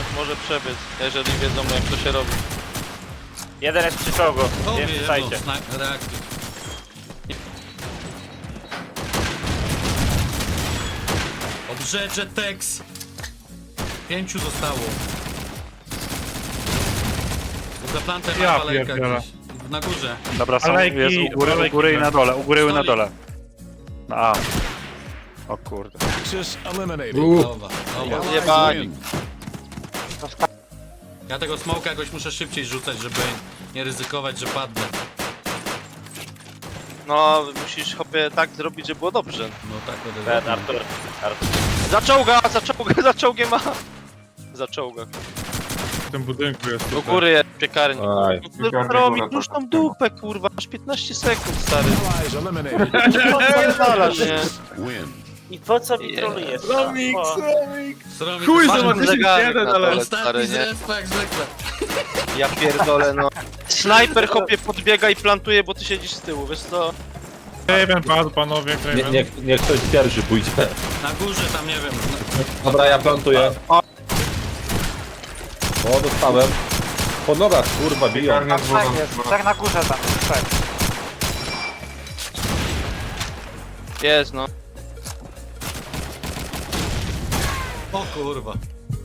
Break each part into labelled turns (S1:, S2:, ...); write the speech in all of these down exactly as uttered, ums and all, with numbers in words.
S1: może przebiec, jeżeli wiedzą jak to się robi.
S2: Jeden jest przy czołgu,
S3: Tobie
S2: więc
S3: jedną,
S2: słuchajcie.
S3: sna- reaktyw. Obrzecze Tex. Pięciu zostało. Za plantem
S4: Ja
S3: ma walejka
S4: pierdzielę.
S3: gdzieś. Na górze.
S5: Dobra, są,
S4: Alejki,
S5: jest u góry, u
S4: alejki.
S5: góry i na dole, u góry i na
S3: Stolik.
S5: dole. Na A. O kurde.
S6: Axis eliminated.
S3: Dobra, dobra.
S1: Zjebani.
S3: Ja tego smoka jakoś muszę szybciej rzucać, żeby nie ryzykować, że padnę.
S1: No, musisz chłopie tak zrobić, żeby było dobrze.
S3: No tak będę
S2: Ten
S3: zrobił.
S2: Artur. Artur.
S1: Za czołga, za czołga, za czołgiem ma. Za czołga.
S4: W tym budynku jest.
S1: Do
S4: tutaj.
S1: góry jest piekarnik.
S7: Aj.
S1: No, mi pusz tą dupę, kurwa, masz piętnaście sekund, stary.
S6: Allies eliminated.
S1: Pierdalasz, nie?
S6: Win.
S2: I po co mi trolujesz?
S4: Romik,
S2: O,
S4: Romik!
S3: Sromi,
S4: Chuj,
S3: to-
S1: Masz
S4: zobaczycie
S1: zegarek
S4: jeden,
S1: na
S4: ale...
S1: dole,
S3: Ostatni
S1: stary,
S3: z
S1: nie?
S3: respa jak zwykle.
S1: Ja pierdolę, no. Snajper chłopie podbiega i plantuje, bo ty siedzisz z tyłu, wiesz co?
S4: Kraven padł, panowie,
S7: Nie,
S4: Kraven.
S7: nie, niech ktoś pierwszy pójdzie.
S3: Na górze tam nie wiem.
S7: Dobra, ja plantuję. O, dostałem. Po nogach, kurwa, biją.
S8: Tak jest, tak na górze tam, tak.
S1: Jest, no.
S3: O kurwa.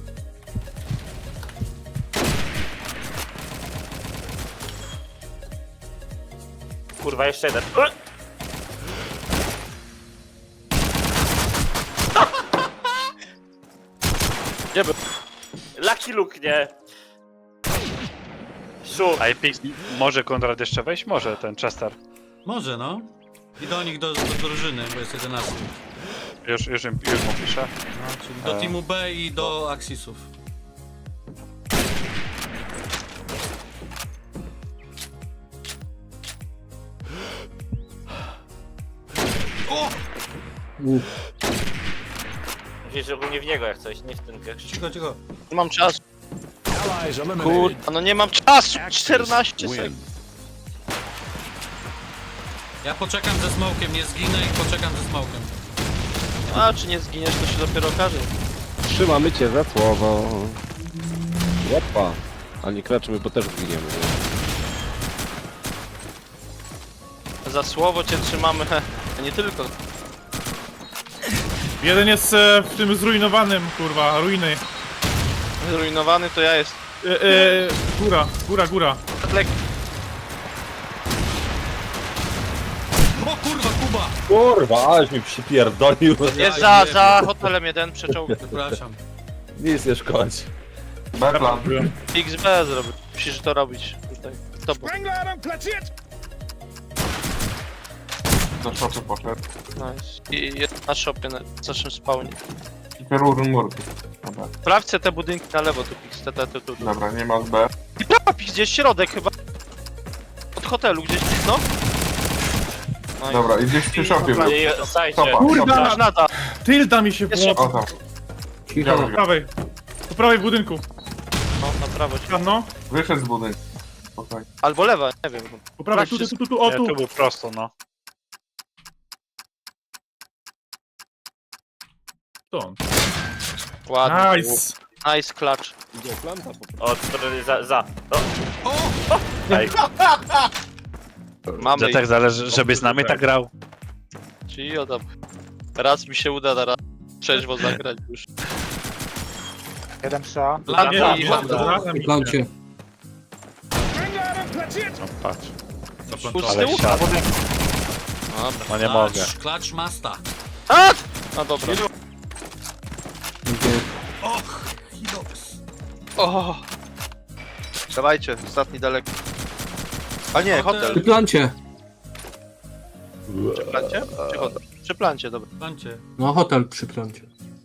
S2: kurwa, jeszcze jeden.
S1: Gdzie był?
S2: Lucky Luke, nie? Szu.
S5: A Epix, może Konrad jeszcze wejść? Może ten Chester.
S3: Może no. I do nich do, do drużyny, bo jest jedenasty.
S5: Już, już, im- już mu piszę.
S3: No, czyli do
S5: E.
S3: teamu B i do Axisów.
S2: Musisz ogólnie w niego jak coś, nie w ten gość.
S3: Cicho, cicho.
S1: Nie mam czasu.
S6: Allies eliminated.
S1: Kurwa, no nie mam czasu! czternaście sekund.
S6: Win.
S3: Ja poczekam ze smokiem, nie zginę i poczekam ze smokiem.
S1: A, czy nie zginiesz, to się dopiero okaże.
S7: Trzymamy cię za słowo. Łopa. A nie kraczymy, bo też zginiemy.
S1: Za słowo cię trzymamy, he. A nie tylko.
S4: Jeden jest e, w tym zrujnowanym, kurwa, ruiny.
S1: Zrujnowany to ja jest.
S4: E, e, góra, góra, góra.
S1: Lek.
S3: O kurwa, Kuba!
S7: Kurwa, aleś mi przypierdolił.
S1: Jest za, za hotelem jeden, przeczołg.
S3: Przepraszam.
S7: Nic nie szkodzi.
S1: X B zrobił. Musisz to robić tutaj. Z tobą.
S9: Do szopu poszedł.
S1: Nice. I jest na shopie, na naszym spawnie.
S9: I Perurun murki. Dobra,
S1: Sprawdźcie te budynki na lewo, tu Pix, te, te, tu, tu.
S9: dobra, nie ma z B.
S1: I prawa Pix, gdzieś środek chyba. Od hotelu gdzieś, no. No i-
S9: Dobra, i gdzieś przy szopie był.
S2: I słuchajcie.
S9: Stopa,
S4: Kurwa!
S1: Już nada.
S4: Tylda mi się
S1: Jest
S4: włączył.
S9: O tam.
S4: Po
S9: Widziałem go.
S4: prawej. Po prawej budynku.
S1: No, na prawo. ci-
S4: No,
S9: Wyszedł z budynku. Okej.
S1: Albo lewa, nie wiem.
S4: po prawej, tu, tu, tu, tu, o
S5: Nie,
S4: tu.
S5: tu był prosto, no.
S4: To.
S1: Ładnie.
S4: Nice.
S1: Nice clutch.
S2: O, strony za, za. O,
S5: Ej,
S1: Mamy
S5: że tak zależy, żeby z nami tak grał.
S1: Czyli o tam. Raz mi się uda na raz trzeźwo zagrać już.
S8: Jeden przy A.
S3: Plan,
S1: Nie,
S3: plan,
S1: nie,
S3: plan.
S1: nie.
S4: Zaraz mi
S10: Plancie.
S5: No patrz,
S1: Pół z
S5: ale
S1: tyłu?
S5: siadł.
S1: Dobra.
S5: No nie mogę.
S3: Klacz masta.
S1: A! No dobra.
S3: Och, Hidox.
S1: O! Dawajcie, ostatni daleko. A nie,
S3: Hotel.
S1: hotel.
S10: Przy plancie.
S1: Przy plancie? Czy hotel? Przy plancie, dobra.
S3: Plancie.
S10: No hotel przy plancie.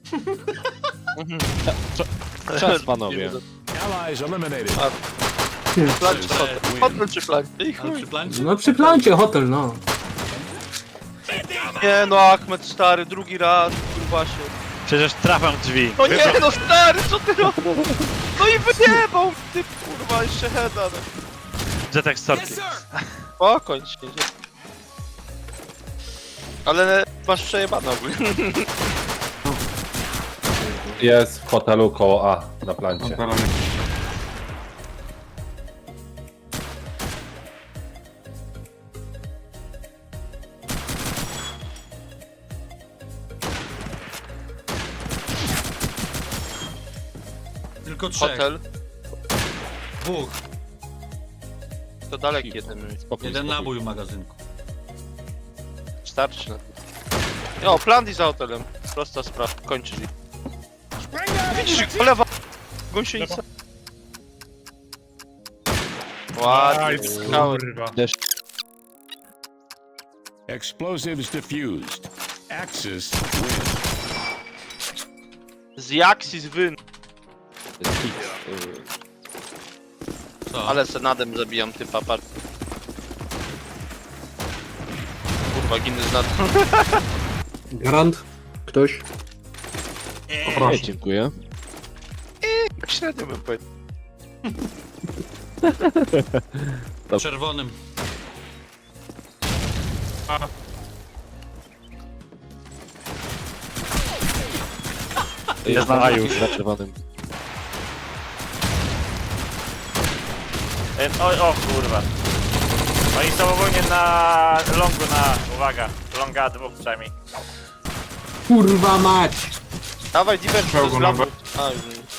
S1: Czas panowie.
S6: Allies eliminated.
S1: Plancie, hotel. Hotel czy plancie? I
S3: Ale
S1: chuj.
S3: przy plancie?
S10: No przy plancie hotel, no.
S1: Nie no, Achmed stary, drugi raz, kurwa się.
S5: Przecież trafiam w drzwi.
S1: No nie no stary, co ty robisz? No i wyjebał ty kurwa jeszcze heada. No.
S5: Zetek storki.
S1: Spokój się. Ale masz przejebane ogólnie.
S11: Jest w hotelu koło A na plancie.
S9: Hotelem.
S3: Tylko trzech.
S1: Hotel.
S3: Dwóch.
S1: To daleki jeden.
S7: Spokój,
S3: Jeden
S7: spokój.
S3: nabój w magazynku.
S1: Starczy na to. O, plan i za hotelem. Prosta sprawa. Kończysz. Widzisz, jak polewa gąsienica. Ładnie.
S4: Nice,
S1: Skały.
S4: kurwa.
S6: Explosives defused. Axis win.
S1: Z Jaxis wyn.
S3: Co?
S1: Ale senadem zabijam typa, patrz. Kurwa, ginny z nad...
S10: Garant? Ktoś?
S7: Nie,
S9: Poproszę.
S7: dziękuję.
S1: Tak średnio bym powiedział.
S3: Czerwonym.
S7: Jest
S5: na
S7: na
S5: już.
S7: już. Za czerwonym.
S2: E, O, o kurwa. Oni są ogólnie na longu na... Uwaga, longa dwóch przynajmniej.
S10: Kurwa mać!
S1: Dawaj, Diver, to
S9: Czołgu
S1: jest
S9: na
S1: lampy.
S9: B.
S1: A,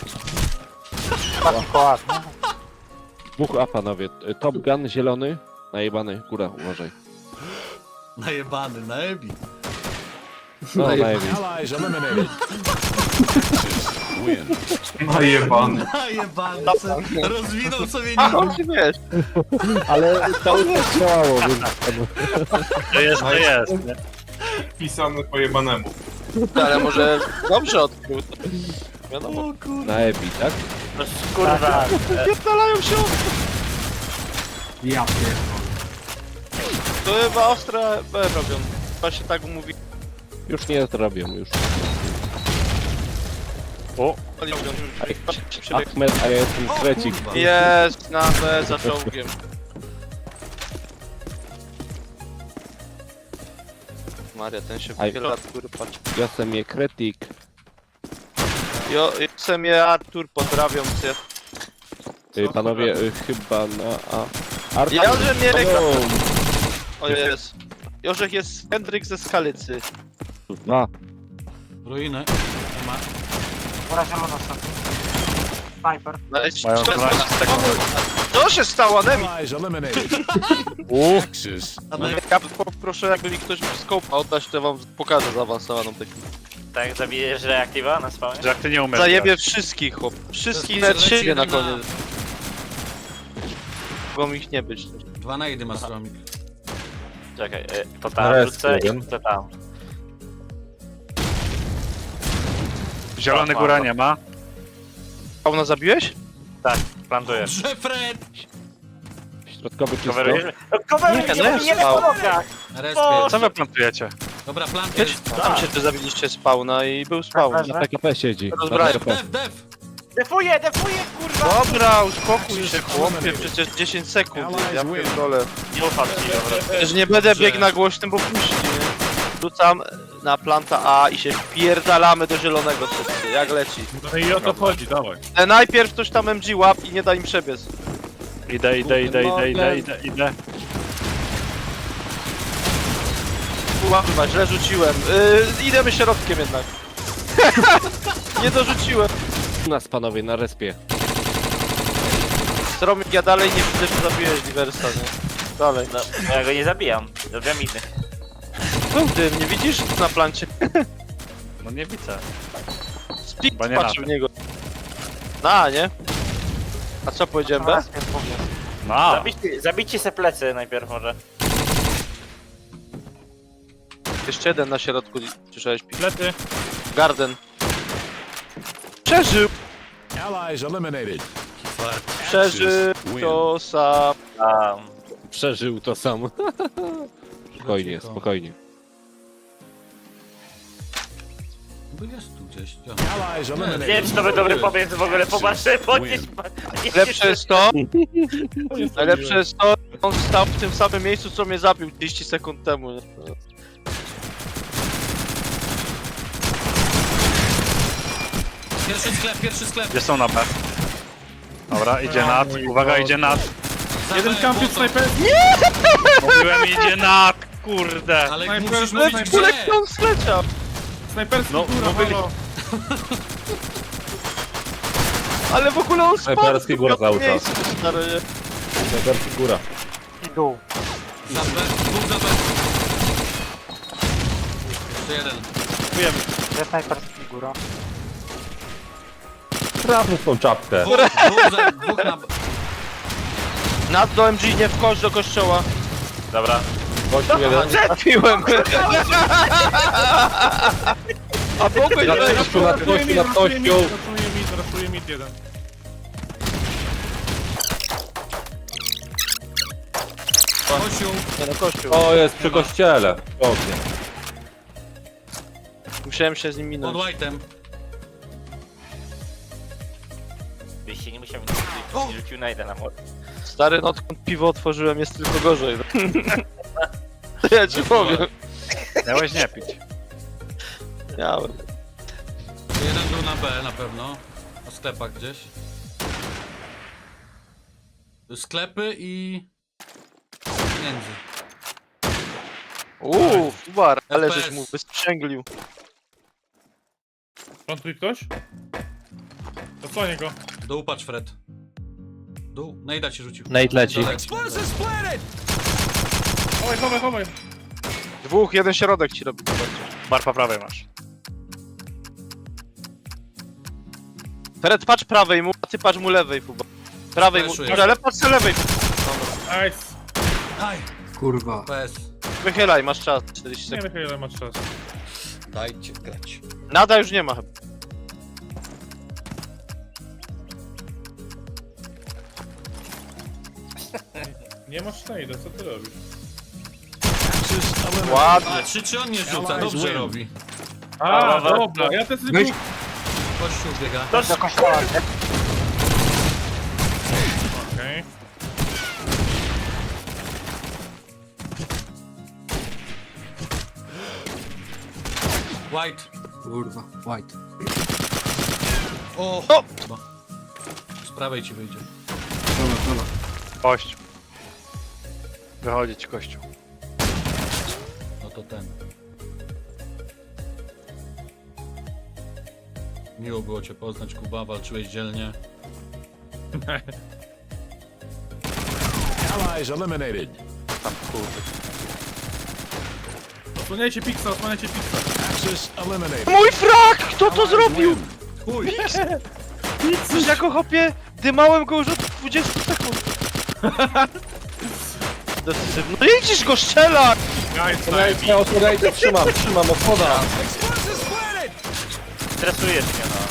S8: Taki koład, nie?
S7: Dwóch A panowie. Top Gun zielony. Najebany. Góra, uważaj.
S3: Najebany, na Ebi.
S7: No,
S10: Najeb-
S7: najebany.
S6: Allies eliminated. Axis win.
S9: Najebany.
S3: Najebany. Rozwinął sobie
S1: A,
S3: nim.
S1: on się wiesz.
S7: Ale cały czas działało, więc...
S5: To jest, to jest, nie?
S9: Pisany po jebanemu.
S1: Ale może dobrze odkrył. Wiadomo.
S7: Na Ebi, tak?
S2: No kurwa. E,
S1: Pierdalają się od...
S10: Ja pierdolę.
S1: To chyba ostre B robią. Chyba się tak mówi.
S7: Już nie zrobią, już.
S5: O,
S1: Ali mówią, że się przebieg-
S7: Ahmed, a ja jestem krecik.
S3: Kurwa.
S1: Jest na B za czołgiem. Maria, ten się
S7: Aj.
S1: wychyla, Artur, patrz.
S7: Ja jestem je kretik.
S1: Jo, jestem je Artur, pozdrawiam cię.
S7: Y, Panowie, y, chyba na A. Artur,
S1: Ja, że mnie reka...
S7: o,
S1: O jest. Jorzech jest Hendryk ze Skalicy.
S7: dwa.
S3: Ruiny. Nie ma.
S8: Góra zielona ostatni. Sniper.
S1: No,
S5: Mają
S1: Co się stało, Nemi?
S6: Allies eliminated. Axis win.
S1: Ja poproszę, jakby mi ktoś scope oddać, to wam pokażę zaawansowaną technikę.
S2: tak zabijesz reaktywa na spawnie?
S5: że jak ty nie umiesz.
S1: Zajebie wszystkich, chłop. Wszystkich
S3: To
S1: nawet
S3: jest
S1: siebie na
S3: jeden na-
S1: koniec. Mogą ich nie być.
S3: Dwa na jedy ma stromik.
S2: Czekaj, e, to tam
S11: Rest
S2: wrzucę
S11: jeden.
S2: i to tam.
S5: Zielony góra nie ma.
S1: Fauna zabiłeś?
S2: Tak, plantuję.
S3: Że Fred!
S7: Środkowy czysto.
S2: Coverujesz? No coveruj,
S1: Nie,
S2: nie,
S1: no
S2: nie,
S1: jest
S2: nie na
S1: mało.
S2: nogach!
S3: Respie.
S5: Co wy plantujecie?
S3: Dobra, planty
S1: Wiesz,
S3: jest.
S1: tam się tu zabiliście spawna i był spawn.
S7: Na P K P siedzi.
S1: Rozbrajam.
S3: Def, def, def!
S2: Defuję, defuję, kurwa!
S1: Dobra, uspokój się, chłopie, przecież dziesięć sekund, ja pierdolę.
S2: Nie ufam ci, dobra.
S1: Przecież nie będę biegł na głośnym, bo puści, nie? Rzucam na planta A i się wpierdalamy do zielonego wszyscy, jak leci.
S4: No i o to chodzi, dawaj.
S1: E, najpierw ktoś tam M G łap i nie da im przebiec.
S5: Idę, idę, idę, idę, idę, idę, idę.
S1: Kurwa, źle rzuciłem. Yy, idziemy środkiem jednak. Nie dorzuciłem.
S7: U nas panowie, na respie.
S1: Stromik, ja dalej nie widzę, że zabiłeś Diversa, nie? Dalej.
S2: No, no ja go nie zabijam. Zabijam innych.
S1: No ty, nie widzisz na plancie?
S5: No nie widzę.
S1: Split
S5: Chyba nie
S1: patrzył
S5: na
S1: w niego. Na, nie? A co powiedziałem, bez?
S5: No,
S2: Zabicie, zabicie se plecy najpierw może.
S1: Jeszcze jeden na środku, słyszałeś? Pi-
S4: Lety.
S1: Garden. Przeżył!
S6: Allies eliminated.
S1: Przeżył to sam.
S2: Um,
S7: Przeżył to sam. Spokojnie, spokojnie.
S3: Bo jest tu gdzieś. Ja.
S6: Allies
S2: nie wiem,
S6: eliminated.
S2: czy to by dobry pomysł w ogóle popatrzę, podnieś...
S1: Lepsze jest to, najlepsze jest to, on stał w tym samym miejscu, co mnie zabił trzydzieści sekund temu. Nie?
S3: Pierwszy sklep, pierwszy sklep.
S5: Gdzie są na B? Dobra, idzie nad. Uwaga, idzie nad.
S3: Za
S4: Jeden
S3: B,
S4: kampion
S3: błoto.
S4: snajper.
S5: Mówiłem, idzie nad, kurde.
S3: Ale
S4: Snajper,
S3: musisz
S4: snajper,
S3: mówić
S1: Kulek
S3: gdzie.
S1: on sleciał!
S4: Snajperski
S5: No,
S4: góra,
S5: no byli-
S4: halo.
S1: Ale w ogóle on spadł!
S11: Snajperski góra cały czas.
S1: Miejsce, stary, nie?
S11: Snajperski góra.
S8: I dół.
S3: Za B, dwóch za B. Jeszcze jeden.
S8: Gdzie snajperski góra?
S11: Trafmy w tą czapkę.
S3: Dwóch, dwóch, za, dwóch na B.
S1: Nad do M G, nie wchodź do kościoła.
S2: Dobra.
S11: Gościu jeden.
S1: Trafiłem! A mogłeś
S11: Na
S1: wejść!
S11: kościu, nad
S4: Raszuje
S11: kościu,
S4: mid,
S11: nad
S4: raszuje mid,
S11: kościu.
S4: raszuje mid, raszuje mid jeden.
S3: Kościół.
S1: Nie no, kościół.
S11: O, jest przy kościele. Pięknie.
S1: Musiałem się z nim
S3: Pod
S1: minąć.
S3: white'em.
S2: Byś się nie musiał nie rzucił na jeden na mur.
S1: Stary, no odkąd piwo otworzyłem, jest tylko gorzej. To ja ci powiem.
S5: Miałeś nie pić.
S1: Miałem.
S3: Jeden był na B na pewno. Na sklepach gdzieś. Sklepy i... Między.
S1: Uuu, Fubar, ale
S3: F P S.
S1: żeś mu wysprzęglił.
S4: Plantuje ktoś? Zasłonię go.
S3: Dół patrz Fred. Dół. Nejda ci rzucił.
S7: Nate leci.
S3: Dalej.
S4: Chowaj, chowaj, chowaj.
S1: Dwóch, jeden środek ci robi.
S5: Bar po prawej masz.
S1: Fred, patrz prawej mu, a ty patrz mu lewej, Fubar. Prawej mu,
S3: Fleszuję.
S1: ale patrz sobie lewej.
S4: Nice.
S3: Aj.
S10: Kurwa.
S3: P S.
S1: Wychylaj, masz czas, czterdzieści
S4: Nie
S1: sekund.
S4: wiem ile masz czas.
S3: Dajcie grać.
S1: Nada już nie ma chyba.
S4: Nie masz Snade'a, co ty robisz?
S6: Axis eliminated.
S1: Ładnie.
S3: A, czy, czy on nie rzuca? Dobrze robi.
S4: A,
S2: dobra.
S4: dobra, ja też
S10: Weź.
S4: tylko...
S3: Kościół biega.
S8: Do kościoła, gdzie?
S4: Okej.
S3: White.
S10: Kurwa. White.
S3: O!
S1: O!
S3: Chyba. Z prawej ci wyjdzie.
S10: Dobra, dobra.
S5: Kościół. Wychodzić kościół.
S3: No to ten. Miło było cię poznać, Kuba. Walczyłeś dzielnie.
S6: Allies eliminated.
S4: Osłaniajcie Pixa, osłaniajcie Pixa.
S6: Axis eliminated.
S1: Mój frak! Kto to
S6: Allies
S1: zrobił?
S6: win.
S3: Chuj!
S1: Coś jako hopie, dymałem go już od dwudziestu sekund. Decyzywno. No jedziesz go strzela!
S4: Guys,
S11: Osłaniajcie, ja osłaniajcie, trzymam, trzymam, osłona.
S2: Stresujesz mnie, no.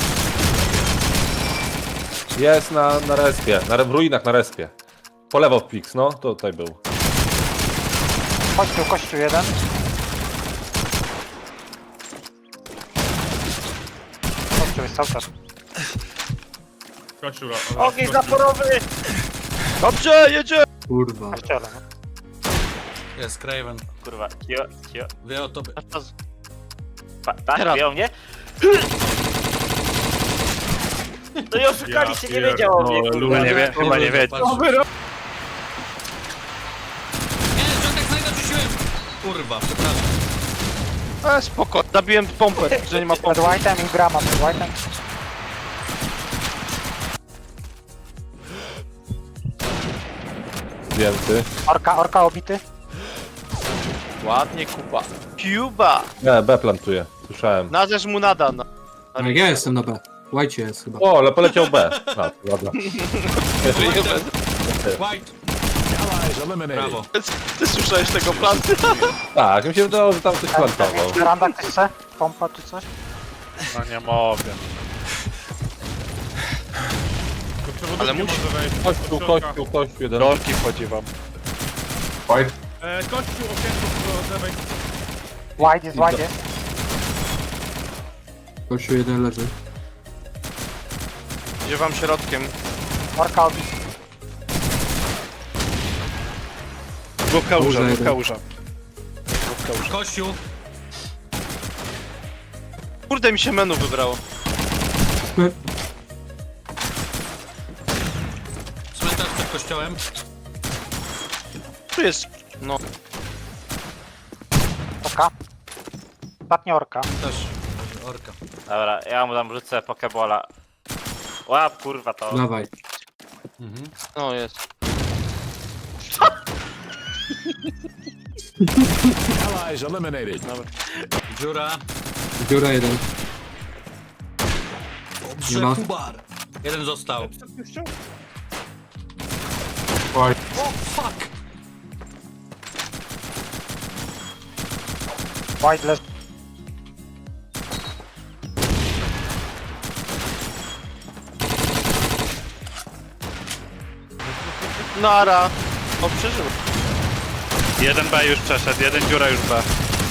S11: Jest na, na respie, na, w ruinach na respie. Po lewo Pix, no, to tutaj był.
S8: Kościół, kościół jeden. Kościół jest cały czas.
S4: Kościół,
S2: Ogień zaporowy!
S1: Dobrze, jedzie!
S10: Kurwa.
S8: Kościele, no.
S3: Jest Craven.
S2: Kurwa, cio, cio.
S3: Wie o tobie.
S1: Masz czas.
S2: Pa, tak,
S1: Teraz.
S2: wie o mnie? No i oszukaliście, nie wiedział o mnie,
S5: No,
S2: kurwa.
S5: Luna nie wie, chyba nie wie.
S3: Patrz. Nie, Żądek znajdę rzuciłem! Kurwa, przepraszam.
S1: E, spoko, zabiłem pompę, że nie ma
S8: Przed
S1: pompy.
S8: White'em i brama przed White'em.
S11: Zdjęty.
S8: Orka, orka obity.
S1: Ładnie, Kuba. Cuba!
S11: Nie, B plantuje, słyszałem.
S1: Nazesz mu nada. No.
S10: No, ja jestem na B. White jest chyba.
S11: O, ale poleciał B. No, ładna.
S3: White!
S6: Allies eliminated.
S3: Brawo.
S1: Ty słyszałeś tego planu?
S11: Tak, mi się wydawało, że tam coś plantował.
S8: Veranda ktoś chce? Pompa czy coś?
S5: No nie mogę.
S1: Ale musi-
S4: Może wejść.
S11: Kościół, kościół, kościół, jeden.
S5: Rolki wchodzi wam.
S9: White.
S4: E, kościół, okienko do lewej.
S8: White jest, white jest.
S10: Kościół jeden leży.
S1: Idzie wam środkiem.
S8: Orka obity.
S5: Dwóch kałuża,
S10: Duża
S5: dwóch
S10: jeden.
S5: kałuża. Dwóch kałuża.
S3: Kościół!
S1: Kurde, mi się menu wybrało.
S10: Chodźmy.
S3: Cmentarz przed kościołem.
S1: Tu jest... No.
S8: Orka. Ostatnia orka.
S3: Też. Orka.
S2: Dobra, ja mu tam rzucę pokebola. Łap kurwa to.
S10: Dawaj.
S3: Mhm.
S1: No jest.
S6: Allies eliminated.
S3: Dziura.
S10: Dziura jeden.
S3: Dobrze,
S10: Nie ma.
S3: Kubar. Jeden został.
S9: Oj,
S3: O, fuck!
S8: White leży.
S1: Nara. O, przeżył.
S5: Jeden B już przeszedł, jeden dziura już B.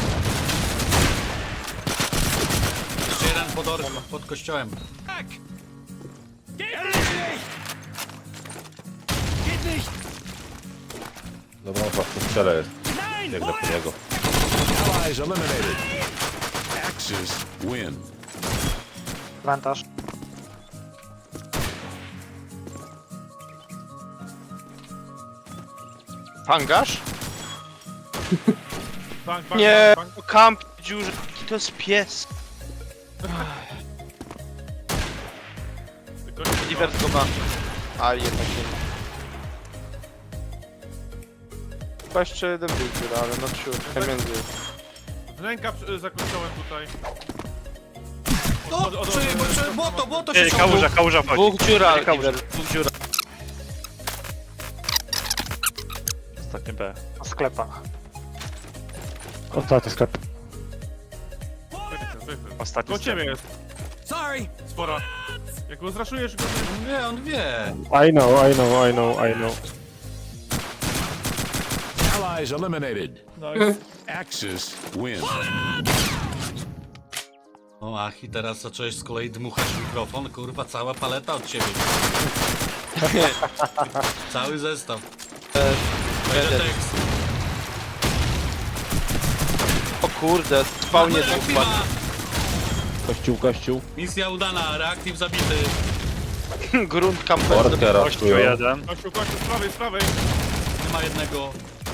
S3: Jeszcze jeden pod orką, pod kościołem.
S11: Dobra, chyba w tym strzele jest. Biegnę po niego.
S6: Allies eliminated. Axis win.
S8: Cmentarz.
S1: Hangarz?
S4: Bank, bank,
S1: Nie,
S4: bank, bank.
S1: kamp dziurze. To jest pies.
S4: Gościu,
S1: Divert go ma. Ale jednak nie ma. Chyba jeszcze jeden był dziura, ale no ciur. Między.
S4: Wnęka przy- za kościołem tutaj.
S3: No,
S4: Od- od-
S3: czy,
S4: od-
S3: bo, czy,
S4: od-
S3: bo to, bo to
S5: Ej,
S3: się
S5: kałuża, kałuża wchodzi.
S1: Dwóch dziura,
S5: Kałuża.
S1: Divert, dwóch dziura.
S5: Ostatnie B.
S8: Na sklepach.
S7: Ostatni sklep.
S4: Wychyl, wychyl.
S5: Ostatni
S4: Do ciebie jest.
S3: Sorry!
S4: Spora. Jak go zraszujesz, go nie...
S3: Nie, on wie.
S7: I know, I know, I know, I know.
S6: Allies eliminated.
S4: Nice.
S6: Axis win.
S3: O, ach, i teraz zacząłeś z kolei dmuchać w mikrofon. Kurwa, cała paleta od ciebie. Cały zestaw. Będzie tekst.
S1: O kurde, spawnie dwóch
S3: Reaktywa!
S1: padł.
S7: Kościół, kościół.
S3: Misja udana, reaktyw zabity.
S1: Grunt kamper.
S11: Orkę
S5: Kościół
S11: ratują.
S5: jeden.
S4: Kościół, kościół, z prawej, z prawej.
S3: Nie ma jednego.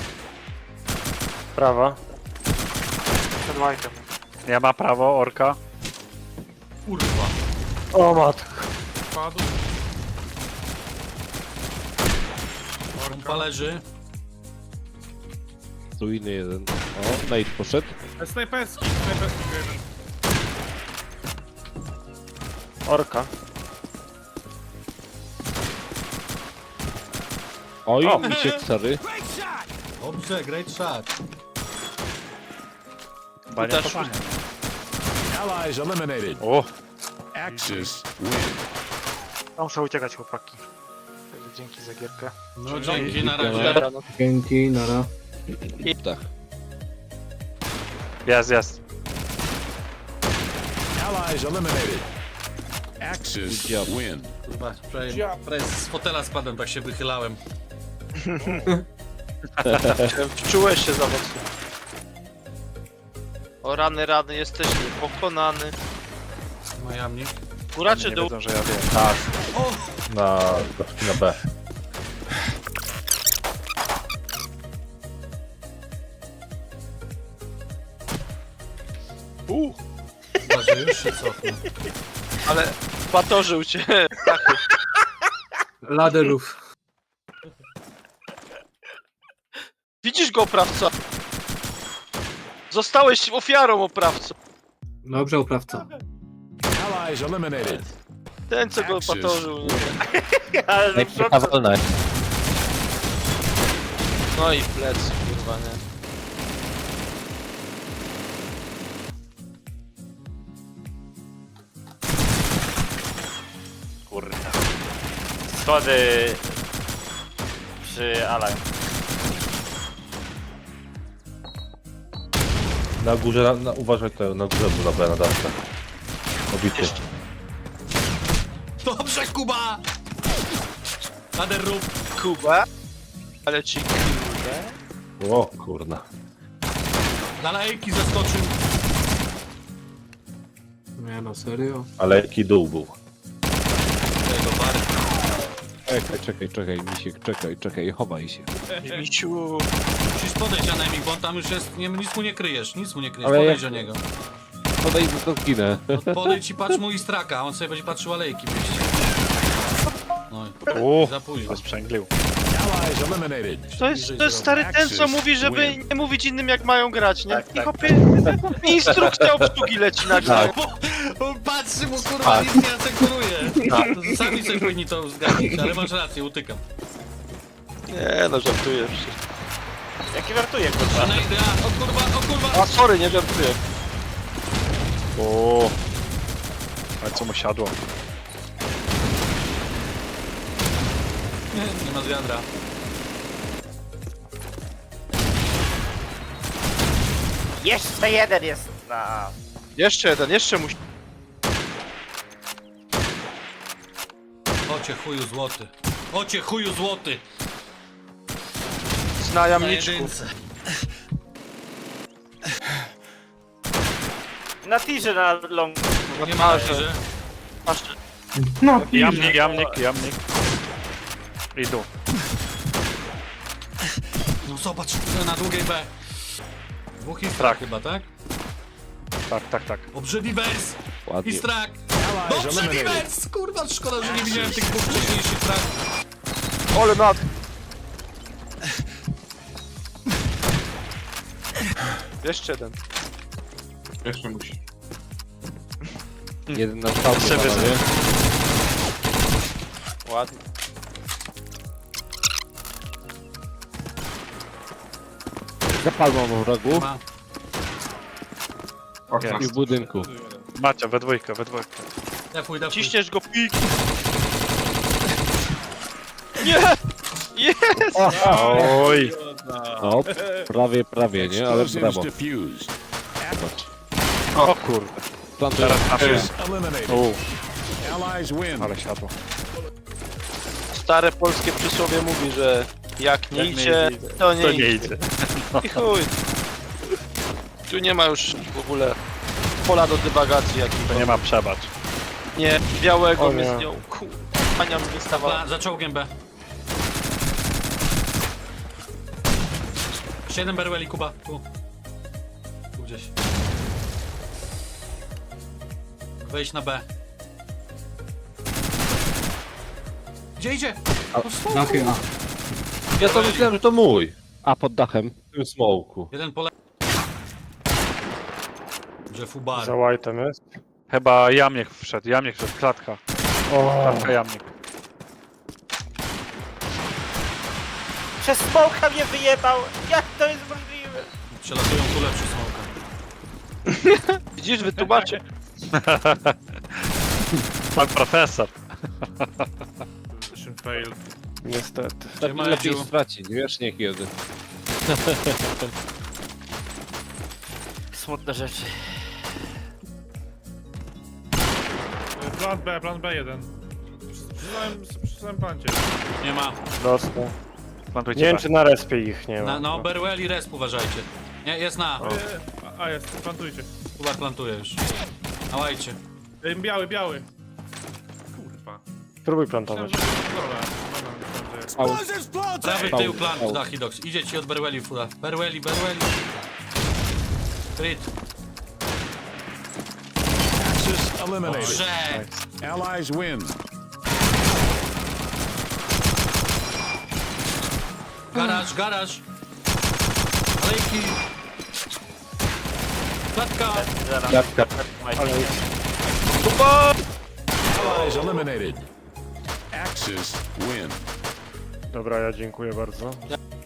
S7: Prawa.
S8: Przed White'em.
S5: Nie ma prawo, orka.
S3: Kurwa.
S7: O matko.
S4: Padł.
S3: Pompa leży.
S7: Tu inny jeden. O, Nate poszedł.
S4: E, Snajperski, snajperski jeden.
S7: Orka. Oj,
S5: O.
S7: misiek stary.
S3: Dobrze, great shot.
S5: Bania
S1: Też-
S5: kopania.
S6: Allies eliminated.
S5: O,
S6: Axis win.
S8: Ja muszę uciekać, chłopaki. Dzięki za gierkę.
S3: No dzięki, na razie.
S1: Dobra, no.
S10: Dzięki, nara.
S7: Tak.
S5: jest, jest.
S6: Allies eliminated. Axis
S7: Good job.
S6: win.
S3: Kurwa, prawie, prawie z fotela spadłem, tak się wychylałem.
S1: Wczułeś się za mocno. O rany, rany, jesteś pokonany.
S3: Majamnik.
S1: Góra czy
S5: Nie
S1: dół?
S5: wiedzą, że ja wiem.
S11: Tak. Na, na B.
S1: U,
S3: Chyba, że już się cofnę.
S1: ale patorzył cię.
S10: Laderów.
S1: Widzisz go, oprawca? Zostałeś ofiarą, oprawco.
S10: Dobrze, oprawca.
S6: Allies eliminated.
S1: Ten, co go
S6: Axis
S1: patorzył. Nie?
S6: win.
S2: Ale do przodu.
S1: No i plec, kurwa, nie?
S2: Kurwa. Schody przy Alaj.
S11: Na górze, na, na, uważaj to, na górze był na B, na dawce. Obity.
S1: Jeszcze.
S3: Dobrze, Kuba! Lader rób.
S1: Kuba. Ale ci kurde.
S11: O kurna.
S3: Na lejki zaskoczył.
S10: Nie no, serio?
S11: Ale jaki dół był.
S3: tego, Bary.
S7: Czekaj, czekaj, czekaj, misiek, czekaj, czekaj, chowaj się.
S1: Misiu.
S3: Musisz podejść na Nemik, bo on tam już jest, nie, nic mu nie kryjesz, nic mu nie kryjesz,
S7: Ale
S3: podejdź
S7: jak-
S3: do niego.
S7: Podejdę to zginę.
S3: No, podejdź i patrz mu i straka, a on sobie będzie patrzył alejki w mieście. No i
S5: Uuu,
S3: za późno.
S5: sprzęglił.
S6: Allies eliminated.
S1: To jest, to jest stary ten, co mówi, żeby nie mówić innym jak mają grać, nie?
S2: Tak,
S1: I
S2: tak,
S1: hopie, instrukcja obsługi leci nagle.
S3: Bo, bo patrzy mu kurwa, nic nie asekuruje. To sami sobie powinni to zgadnąć, ale masz rację, utykam.
S1: Nie no, żartuję przecież.
S2: Jaki żartuje, kurwa.
S3: Znajdę, a, o kurwa, o kurwa.
S1: A sorry, nie żartuję.
S5: Uuu. Ale co mu siadło?
S3: Nie, nie ma z wiadra.
S2: Jeszcze jeden jest na...
S1: Jeszcze jeden, jeszcze musi.
S3: Ocie chuju złoty. Ocie chuju złoty.
S1: Na
S3: Na
S1: jamniczku.
S3: jedynce.
S2: Na tirze na long.
S3: Nie ma że.
S1: Masz.
S5: Jamnik, jamnik, jamnik. Idą.
S3: No zobacz, na długiej B. Dwóch Histrak chyba, tak?
S5: Tak, tak, tak.
S3: Obrzydliwers!
S7: Ładnie.
S3: Histrak!
S6: Allies eliminated.
S3: Obrzydliwers! Kurwa, szkoda, że nie widziałem tych dwóch wcześniejszych trak.
S1: Ole nad. Jeszcze jeden.
S9: Jeszcze musi.
S7: Jeden na stałe,
S5: Jeszcze
S7: panowie.
S1: Ładnie.
S7: Zapalmą w rogu
S3: Ma.
S9: Okna.
S7: i w budynku.
S5: Macie, we dwójkę, we dwójkę.
S3: Defuj, defuj.
S1: Ciśniesz go, pik. Nie! Jest!
S5: Oj!
S7: No, prawie, prawie, nie? Ale
S6: Explosives
S7: brawo.
S6: defused.
S5: O kurde.
S7: Plantuję.
S5: Teraz trafię.
S6: Eliminated.
S5: Uuu,
S6: Allies win.
S5: ale siadło.
S1: Stare polskie przysłowie mówi, że jak nie
S5: Jak nie
S1: idzie,
S5: idzie,
S1: to nie
S5: To nie
S1: idzie.
S5: idzie.
S1: I chuj. Tu nie ma już w ogóle pola do dywagacji
S5: To
S1: jakiejś.
S5: nie ma przebacz.
S1: Nie, białego
S5: O
S1: mnie
S5: nie.
S1: z nią. Kurwa, Ania mnie stawała.
S3: Za, za czołgiem B. Siedem berweli, Kuba. Tu. Tu gdzieś. Wejść na B. Gdzie idzie?
S10: Dachy A.
S11: Ja to myślałem, że to mój.
S7: A pod dachem.
S11: W tym smoku.
S3: Jeden pole... Że fubar.
S5: Za white'em jest. Chyba jamnik wszedł, jamnik wszedł, klatka. Klatka jamnik.
S2: Przez smoka mnie wyjebał! Jak to jest możliwe?
S3: Przelatują tu lepszy smoka.
S1: Widzisz, wytłumaczę.
S5: Pan profesor.
S4: Mission fail.
S5: Niestety.
S7: Tak
S3: ma
S7: lepiej
S3: Edziu?
S7: stracić, wiesz, nie kiedy.
S2: Smutne rzeczy.
S4: Plan B, plan B jeden. Przeczytałem, przeczytałem plancie.
S3: Nie ma.
S5: Dostał. Plantujcie
S12: Nie wiem,
S5: B.
S12: czy na respie ich nie ma.
S3: Na, no, Berwell i Resp uważajcie. Nie, jest na.
S4: E, A, a jest, plantujcie.
S3: Kuba plantuje już. Na łajcie.
S4: E, Biały, biały. Kurwa.
S12: Spróbuj
S4: Myślałem,
S12: plantować.
S4: że to jest rola. No, no, myślałem, że-
S3: Prawy
S7: Pał,
S3: tył plant,
S7: pał.
S3: Dachidox. Idzie ci od Berwelli fura. Berwelli, Berwelli. Crit.
S6: Axis eliminated.
S3: Dobrze.
S6: Allies win.
S3: Garaż, garaż. Alejki. Klatka.
S11: Klatka.
S6: Allies eliminated. Axis win.
S12: Dobra, ja dziękuję bardzo.